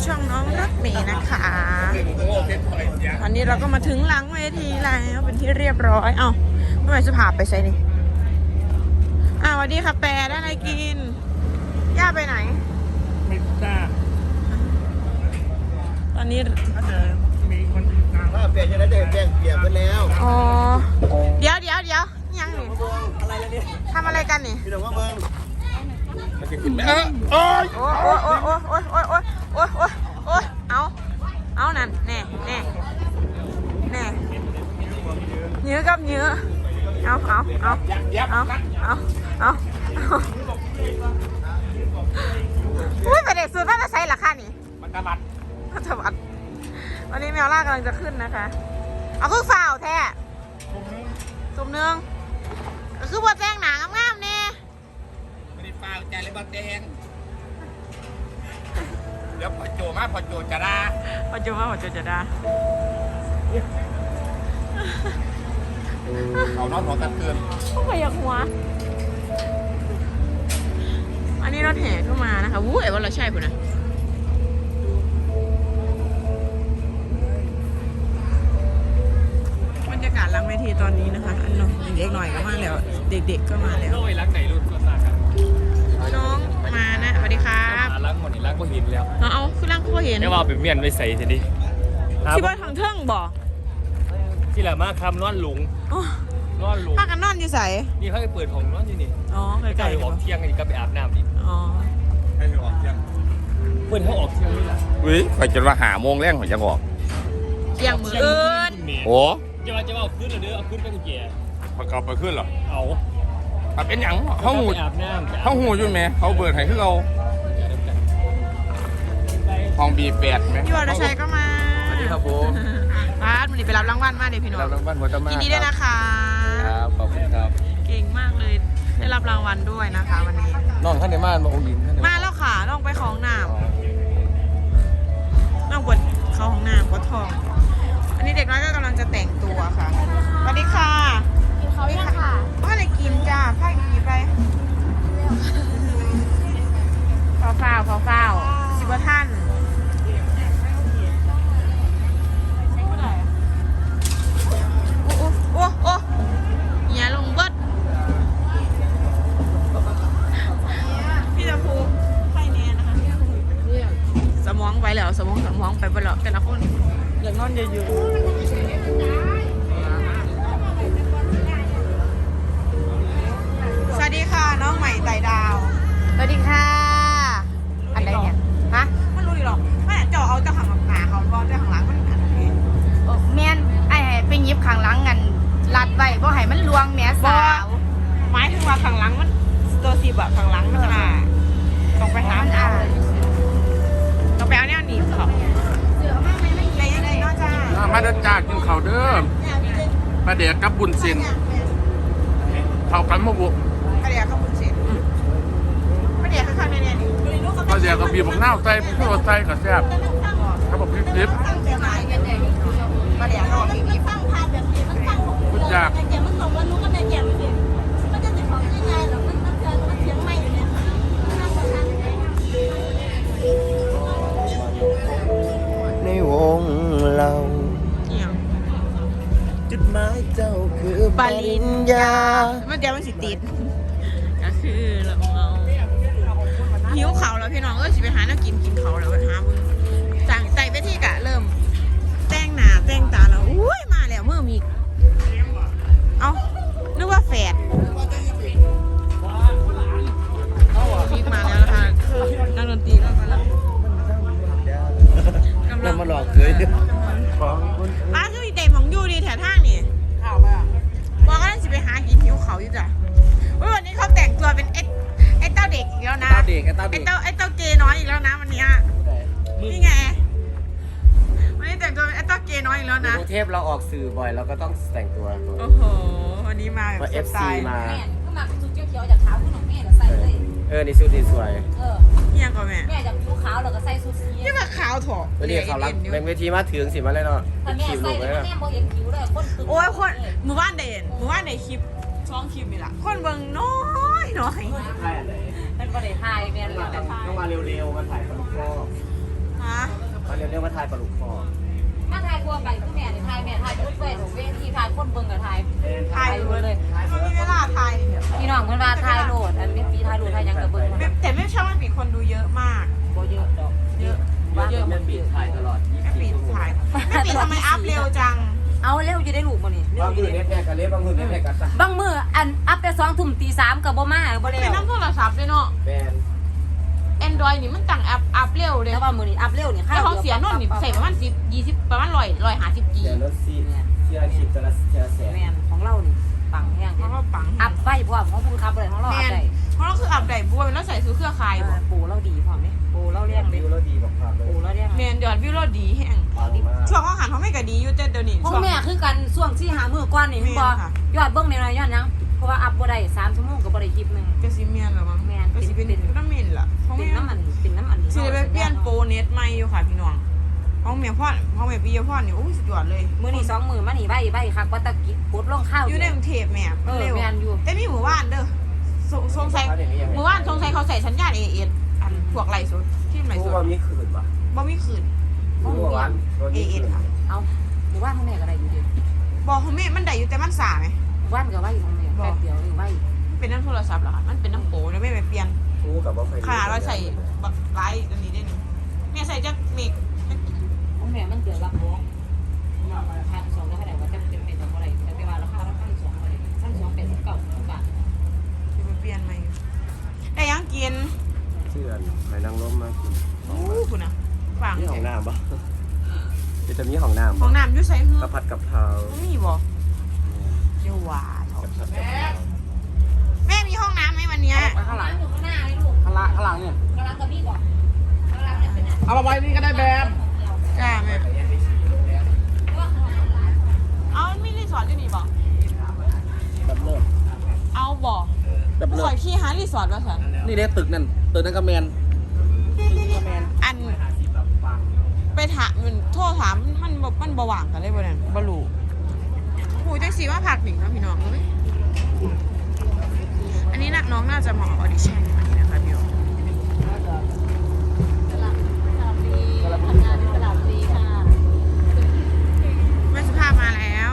ช่องน้องรักเมย์นะคะวันนี้เราก็มาถึงหลังเวทีแล้วเป็นที่เรียบร้อยเอ้าเมื่อไหร่จะพาไปใส่นี่สวัสดีค่ะแปรได้อะไรกินย่าไปไหนไม่ทราบตอนนี้ถ้าเดินมีคนตามถ้าเปลี่ยนจะได้แจ้งเปลี่ยนไปแล้วอ๋อเดี๋ยวยังนี่อะไรแล้วเนี่ยทำอะไรกันนี่พี่น้องว่าเมืองมันจะขึ้นไหมโอ้ยเอานั่นแน่เนื้อกับเนื้อเอาอุ้ยประเด็นสุดว่าจะใช้หรอคะนี่มันตะบัดวันนี้แมวล่ากำลังจะขึ้นนะคะเอาคือฝ่าวแท้สมเนืองคือบัวแจ้งหนางามๆเนี่ยไม่ได้ป้าใจเลยบัดแดงเดี๋ยวพอโจมาพอโจจะด่าพอโจจะด่าเขานอนหัวกันเกินเขาไปอยากหัวอันนี้รถแห่เข้ามานะคะวู้ไอ้ว่าเราใช่ปุ่นนะบรรยากาศหลังเวทีตอนนี้นะคะอันน้องเด็กหน่อยก็มาแล้วเด็กๆก็มาแล้วโอ้ยรักไหนรุ่นก็ทราบกันน้องมานะสวัสดีครับรักหมดนี่รักก็หินแล้วเอาคือร่างก็เห็นไม่ว่าเป็นเมียนไม่ใส่ทีนี้ที่ว่าทางเทิงบ่ที่แหละมาคำนอนหลุงพากันนอนอยู่ใส่นี่เขาไปเปิดของนอนอยู่นี่อ๋อใกล้ๆออกเที่ยงอีกก็ไปอาบน้ำอีกอ๋อให้ออกเที่ยงเปิดเขาออกเที่ยงนี่แหละข่อยจะมาหาโมงแรกข่อยจะออกเที่ยงมืออื่นโอ้จะเอาขึ้นหรือเอาขึ้นไปกี่เกียร์ประกอบไปขึ้นเหรอเอาเป็นอย่างเขาหูอยู่ไหมเขาเบิดให้คือเราห้องB8ไหมพี่วรชัยก็มาสวัสดีครับผมป้ามันไปรับรางวัลมาเดี๋ยวพี่น้องรับรางวัลหัวตะมายินดีด้วยนะคะครับขอบคุณครับเก่งมากเลยได้รับรางวัลด้วยนะคะวันนี้น้องท่านในบ้านมาองค์หญิงมาแล้วค่ะน้องไปของน้ำน้องปวดเข้าห้องน้ำปวดท้องอันนี้เด็กน้อยก็กำลังจะแต่งตัวค่ะสวัสดีค่ะกินเขายังค่ะว่าอะไรกินจ้าผ้ากี่ไปเฝ้าสิบท่านโอ้อย่าลงเบิดพี่ตะพูไฟแน่นะคะสมองไปแล้วสมองไปบ่แล้วแต่ละคนอย่างนอนเยอะสวัสดีค่ะน้องใหม่ไต่ดาวสวัสดีค่ะอะไรเนี่ยฮะไม่รู้ดิหรอกไม่เจาะเอาเจ้าขังหนาเขาบอกเจ้าขังหลังมันขันนี้แม่นไอ้ไปยิบขังหลังกันรัดไว้บ่ให้มันลวงแม่สาวหมายถึงว่าขังหลังมันตัวสีแบบขังหลังมันต้องไปหาต้องไปเอาเนี่ยหนีเขาอะไรยังไงนอกจากมาเดินจากกินข้าวเด้อมาเดี๋ยวกับบุญเซนเข้ากันมาบุกมาเดี๋ยวเขาบุญเสร็จมาเดี๋ยวเขาข้างในเนี่ยมาเดี๋ยวกับบีบกหน้าใจพวกเราใจกับแซ่บเขาบอกพริบมาเดี๋ยวเขาบีบคุณอยากในวงเราจุดหมายเจ้าคือปริญญามันเดี๋ยวมันสิติดก็คือเราหิวเขาแล้วพี่น้องก็สิไปหาน้ากินเขาแล้วไปหาบุญสั่งใส่ไปที่กะเริ่มแต่งหน้าแต่งตาแล้วอุ้ยมาแล้วเมื่อมีเอานึกว่าแฝดพีกมาแล้วนะคะนักดนตรีก็มาแล้วกำลังมาหลอกเลยป้าคือเด็กของยูดีแถวทางนี่ข่าวไปอ่ะบอกว่าสิไปหากินหิวเขาอยู่จ้ะวันนี้เขาแต่งตัวเป็นไอ้เต้าเด็กอีกแล้วนะไอ้เต้าเกย์น้อยอีกแล้วนะวันนี้นี่ไงวันนี้แต่งตัวเป็นไอ้เต้าเกย์น้อยอีกแล้วนะกรุงเทพเราออกสื่อบ่อยเราก็ต้องแต่งตัวโอ้โหวันนี้มาแบบ FC มาแม่ก็มาเป็นชุดเขียวๆจากเท้าคุณของแม่แล้วใส่เลยนี่ชุดดีสวยนี่ยังก่อนแม่จากชุดขาวแล้วก็ใส่ชุดสีนี่มาขาวถอดวันนี้เขารับแบ่งเวทีมาถึงสิมาเลยเนาะขีบลูกเลยนะโอ้ยคนมือบ้านเด่นคลิปช่องคลิปนี่แหละคนเบิ่งน้อยมันก็ได้ถ่ายแม่เลยต้องมาเร็วๆมาถ่ายคอนเสิร์ตฮะเรียกว่าทายปลาลูกคอมาทายกลัวไปคือแม่นี่ทายแม่ทายทุกเวทเวทีทายคนเบิ่งกับทายทายเลยมันมีเวลาถ่ายเดี๋ยวพี่น้องเพิ่นว่าทายโหลดอันนี้ปีทายโหลดทายยังกับเบิ่งแต่ไม่ชอบมันมีคนดูเยอะมากบ่เยอะดอกเยอะเยอะมันบีบถ่ายตลอดไม่ปิดถ่ายไม่ปิดทำไมอัพเร็วจังเอาเร็วจะได้ลูกบ่นี่บางมือเน็ตแม่กันเล็บบางมือเน็ตแม่กันซะบางมื้ออันอัพแต่2 ทุ่มตี 3ก็บ่มาบ่แล้วเป็นน้ำโทรศัพท์เลยเนาะแมน Android นี่มันตั้งอัพเร็วเลยแต่ว่ามื้อนี้อัพเร็วนี่แต่ของเสียนนนี่ใส่ประมาณ10-20ประมาณ150 G เดี๋ยวรถซีเชียร์คลิปจะละแสนแม่นของเรานี่ปังแฮงเพราะว่าปังอัพไฟพร้อมของผู้ขับเลยของเราแมอัพนได้เพราะเราคืออัพไดบัวแล้วใส่ซื้อเครือข่ายบ่ปูเราดีพร้อมเด้ปูเราเลี้ยงเด้วิวแล้วดีบอกภาพเลยปูเราเลี้ยงแมนเดี๋ยววิวเราดีแห้งปังมากช่วงอาหารเขาไม่ก็ดีอยู่แต่เดี๋ยวนี้ของช่วงแม่คือกันช่วงที่หามื้อก่อนนี่เห็นบ่แม่นค่ะยอดเบิ่งในน้อยยอดหยังเพราะว่าอัพบ่ได้3 ชั่วโมงก็บ่ได้คลิปนึงก็สิเมียนเหรอมั้งแม่นก็สิเป็นเป็นน้ำเมนล่ะเขาเป็ไม่นน้ำมันเป็นน้ำมันสิได้ไปเปลี่ยนโปรเน็ตใหม่อยู่ค่ะพี่น้องห้องเมียพ่อห้องเมียปีพ่อนี่โอ้ยสุดยอดเลยมื้อนี้2 มื้อมานี่ใบคักว่าตะกี้กดลงข้าวอยู่ในกรุงเทพแม่เร็เร็ววแม่นอยู่แต่มีหมู่บ้านเด้อสงสัยหมู่บ้านสงสัยเขาใส่สัญญาณ AS อันพวกไหลสุดที่ไหลรู้สุดว่ามีคืนป่ะบ่มีคืนรู้ว่าวัน AS ค่ะเอาหมู่บ้านของแม่ก็ได้อยู่ดิบอกเขาแม่มันได้อยู่แต่มันสาไหมหมู่บ้านก็ไว้ของแม่แป๊บเดียวนี่ไว้เป็นน้ำโทรศัพท์เหรอคะมันเป็นน้ำโปรแล้วไม่ไปเปลี่ยนรู้กับว่าใครขนาดเราใส่บักไลท์อันนี้ได้หนึ่งแม่ใส่จักเมกของแม่มันเดือนละบ่1,200แล้วเท่าไหร่ว่าจะเป็นเป็นบ่ได้แต่ว่าราคา1,200บ่ได้1,289บาทจะไปเปลี่ยนไหมได้ยังกินเชื่อนไปนั่งร่มมากินอู้คุณนะฟังนี่ของน้ำป่ะจะมีของน้ำของน้ำอยุ่ใส่เหืกะผัดกับเพรามีบ่เดี๋ยวหวาเถอะแม่มีห้องน้ำไหมวันเนี้ยข้างหลังอยู่ข้างหน้าเลยลูกข้างหลังเนี่ยข้างหลังกับพี่ก่อนข้างหลังเนี่ยเป็นอะไรเอามาไว้นี่ก็ได้แบบจ้าแม่เอาไม่รีสอร์ทอยู่นี่บ่แบบเลิศเอาบ่แบบเลิข่อศยขี้หารีสอร์ทว่าสันนี่เด้ตึกนั่นก็แมนอันไปถามมันโทษถามมันบ่ว่างกันเลยบ่นั่นบ่รู้หูจังสีว่าผักหนิงนะพี่น้องเอ้ยอันนี้น้องน่าจะเหมาะออดิชั่นอันนี้นะคะพี่น้องทำงานที่ตลาดดีค่ะแม่สุภาพมาแล้ว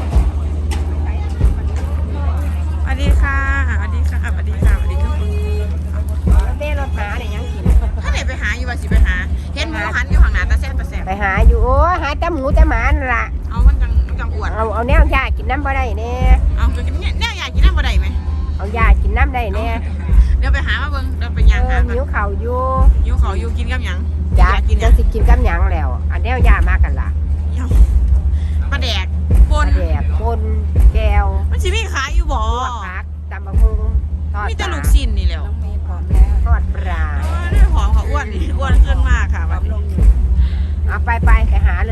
สวัสดีค่ะสวัสดีค่ะสวัสดีค่ะสวัสดีค่ะเต้รถหาเนี่ยยังกินถ้าไหนไปหาอยู่ว่าสิไปหาเห็นหมูหันอยู่ข้างหน้าตาแซ่บตาแซ่บไปหาอยู่โอ้หาแต่หมูแต่หมานั่นล่ะเอามันจังอวดเอาแนวยากินน้ำบ่ได้แน่เอาไปกินเนี่ยอยากกินน้ำบ่ได้ไหมเอายากินน้ำได้แน่เดี๋ยวไปหามาเบิ่งเดี๋ยวไปย่างหาหิวเข่าวอยู่อยู่เขาอยู่กินกับหยังยากินหจัยังงสิกินกับหยังแล้ว อันแนวยามากันล่ะปลาแดกปนแดกปนแก้วมันสิมีขายอยู่บ่ลวกผักตำบักหุ่งทอดมีปแต่ลาลูกชิ้นนี่แหล้วต้องมีพร้อมแล้วทอดปลาด้วยหอมค่ะอ้วนนี่อ้วนขึ้นมากค่ะวันนี้เอาไปหาเลย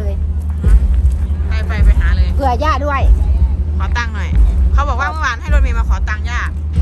ไปหาเลยเผื่อย่าด้วยขอตังค์หน่อยเขาบอกว่าเมื่อวานให้รถเมย์มาขอตังค์ย่า